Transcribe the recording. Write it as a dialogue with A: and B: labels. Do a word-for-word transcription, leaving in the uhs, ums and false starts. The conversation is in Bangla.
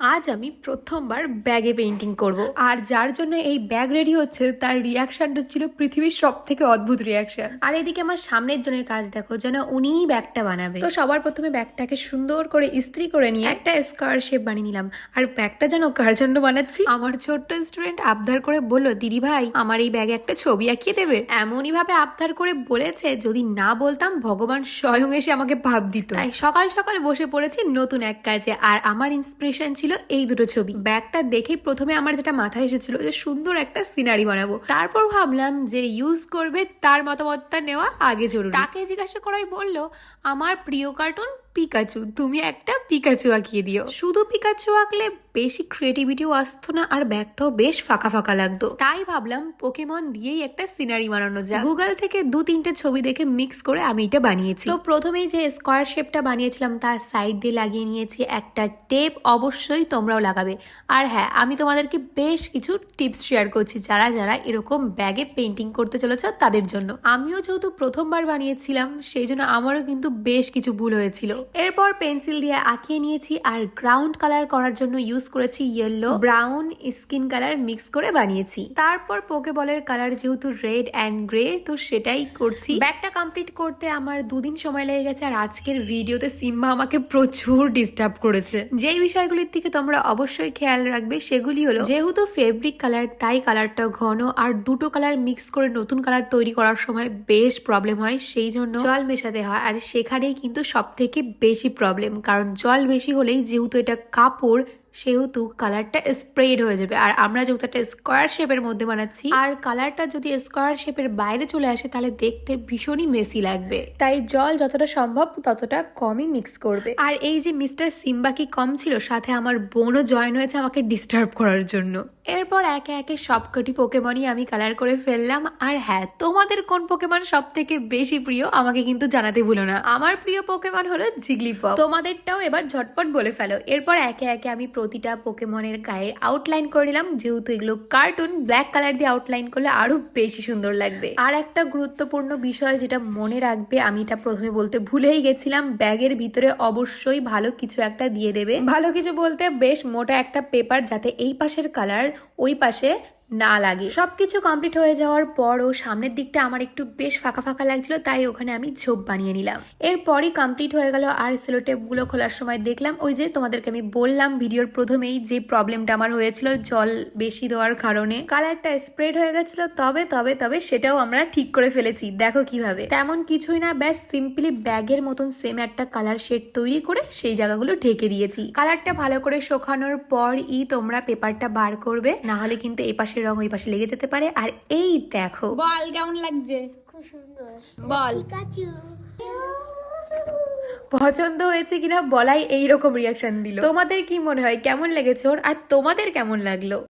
A: আজ আমি প্রথমবার ব্যাগে পেইন্টিং করব আর যার জন্য এই ব্যাগ রেডি হচ্ছে তার রিয়াকশনটা ছিল পৃথিবীর সব থেকে অদ্ভুত রিয়াকশন। আর এদিকে আমার সামনের জনের কাজ দেখো, যেন উনিই ব্যাগটা বানাবে। তো সবার প্রথমে ব্যাগটাকে সুন্দর করে ইস্ত্রি করে নিয়ে একটা স্কোয়ার শেপ বানিয়ে নিলাম। আর ব্যাগটা যেন কার জন্য বানাচ্ছি, আমার ছোট্ট স্টুডেন্ট আবদার করে বললো, দিদি ভাই আমার এই ব্যাগে একটা ছবি আঁকিয়ে দেবে। এমনই ভাবে আবদার করে বলেছে, যদি না বলতাম ভগবান স্বয়ং এসে আমাকে ভাব দিত। তাই সকাল সকাল বসে পড়েছি নতুন এক কাজে। আর আমার ইন্সপিরেশন ছিল এই দুটো ছবি। ব্যাগটা দেখে প্রথমে আমার যেটা মাথায় এসেছিল যে সুন্দর একটা সিনারি বানাবো, তারপর ভাবলাম যে ইউজ করবে তার মতামতটা নেওয়া আগে জরুরি। তাকে জিজ্ঞাসা করাই বললো, আমার প্রিয় কার্টুন পিকাচু, তুমি একটা পিকাচু আঁকিয়ে দিও। শুধু পিকাচু আঁকলে বেশি ক্রিয়েটিভিটিও আসতো না আর ব্যাগটাও বেশ ফাঁকা ফাঁকা লাগতো। তাই ভাবলাম পোকেমন দিয়েই একটা সিনারি বানানো যায়। গুগল থেকে দু তিনটে ছবি দেখে মিক্স করে আমি এটা বানিয়েছি। তো প্রথমেই যে স্কোয়ার শেপটা বানিয়েছিলাম তার সাইড দিয়ে লাগিয়ে নিয়েছি একটা টেপ। অবশ্যই তোমরাও লাগাবে। আর হ্যাঁ, আমি তোমাদেরকে বেশ কিছু টিপস শেয়ার করছি যারা যারা এরকম ব্যাগে পেন্টিং করতে চলেছ তাদের জন্য। আমিও যেহেতু প্রথমবার বানিয়েছিলাম সেই জন্য আমারও কিন্তু বেশ কিছু ভুল হয়েছিল। এরপর পেন্সিল দিয়ে আঁকিয়ে নিয়েছি আর গ্রাউন্ড কালার করার জন্য ইউজ করেছি yellow, brown, skin colour mix করে বানিয়েছি। তারপর পোকেবলের কালার যেহেতু রেড অ্যান্ড গ্রে, তো সেটাই করছি। ব্যাগটা কমপ্লিট করতে আমার দুদিন সময় লেগে গেছে। আর আজকের ভিডিওতে সিম্বা আমাকে প্রচুর ডিস্টার্ব করেছে। যেই বিষয়গুলির দিকে তোমরা অবশ্যই খেয়াল রাখবে সেগুলি হলো, যেহেতু ফেব্রিক কালার তাই কালারটা ঘন, আর দুটো কালার মিক্স করে নতুন কালার তৈরি করার সময় বেশ প্রবলেম হয়, সেই জন্য জল মেশাতে হয়। আর সেখানেই কিন্তু সব থেকে বেশি প্রবলেম, কারণ জল বেশি হলেই যেহেতু এটা কাপড় সেহেতু কালারটা স্প্রেড হয়ে যাবে। আর আমরা যেহেতু একটা স্কোয়ার শেপের মধ্যে বানাচ্ছি, আর কালারটা যদি স্কোয়ার শেপের বাইরে চলে আসে তাহলে দেখতে ভীষণই মেসি লাগবে। তাই জল যতটা সম্ভব ততটা কমই মিক্স করবে। আর এই যে মিস্টার সিম্বা কি কম ছিল, সাথে আমার বোনও জয়েন হয়েছে আমাকে ডিস্টার্ব করার জন্য। এরপর একে একে সবকটি পোকেমনই আমি কালার করে ফেললাম। আর হ্যাঁ, তোমাদের কোন পোকেমন সব থেকে বেশি প্রিয় আমাকে কিন্তু জানাতে ভুলো না। আমার প্রিয় পোকেমন হলো জিগলিপপ, তোমাদেরটাও এবার ঝটপট বলে ফেলো। এরপর একে একে আমি প্রতিটা পোকেমনের গায়ে আউটলাইন করে নিলাম। যেহেতু এগুলো কার্টুন, ব্ল্যাক কালার দিয়ে আউটলাইন করলে আরো বেশি সুন্দর লাগবে। আর একটা গুরুত্বপূর্ণ বিষয় যেটা মনে রাখবে, আমি এটা প্রথমে বলতে ভুলেই গেছিলাম, ব্যাগের ভিতরে অবশ্যই ভালো কিছু একটা দিয়ে দেবে। ভালো কিছু বলতে বেশ মোটা একটা পেপার, যাতে এই পাশের কালার ওই পাশে না লাগে। সবকিছু কমপ্লিট হয়ে যাওয়ার পরও সামনের দিকটা আমার একটু বেশ ফাঁকা ফাঁকা লাগছিল, তাই ওখানে আমি ঝোপ বানিয়ে নিলাম। এরপরই কমপ্লিট হয়ে গেল। আর সেলো টেপ গুলো খোলার সময় দেখলাম, ওই যে তোমাদেরকে আমি বললাম ভিডিওর প্রথমেই যে প্রবলেমটা আমার হয়েছিল জল বেশি দেওয়ার কারণে কালারটা স্প্রেড হয়ে গেছিল। তবে তবে তবে সেটাও আমরা ঠিক করে ফেলেছি। দেখো কিভাবে, তেমন কিছুই না, ব্যাস সিম্পলি ব্যাগের মতন সেম একটা কালার শেড তৈরি করে সেই জায়গাগুলো ঢেকে দিয়েছি। কালারটা ভালো করে শুকানোর পরই তোমরা পেপারটা বার করবে, না হলে কিন্তু এই পাশে রং ওই পাশে লেগে যেতে পারে। আর এই দেখো,
B: বল কেমন লাগছে?
C: খুব সুন্দর।
B: বল
C: পিকাচু।
A: পছন্দ হয়েছে কিনা বলাই এইরকম রিয়াকশন দিল। তোমাদের কি মনে হয় কেমন লেগেছে ওর, আর তোমাদের কেমন লাগলো?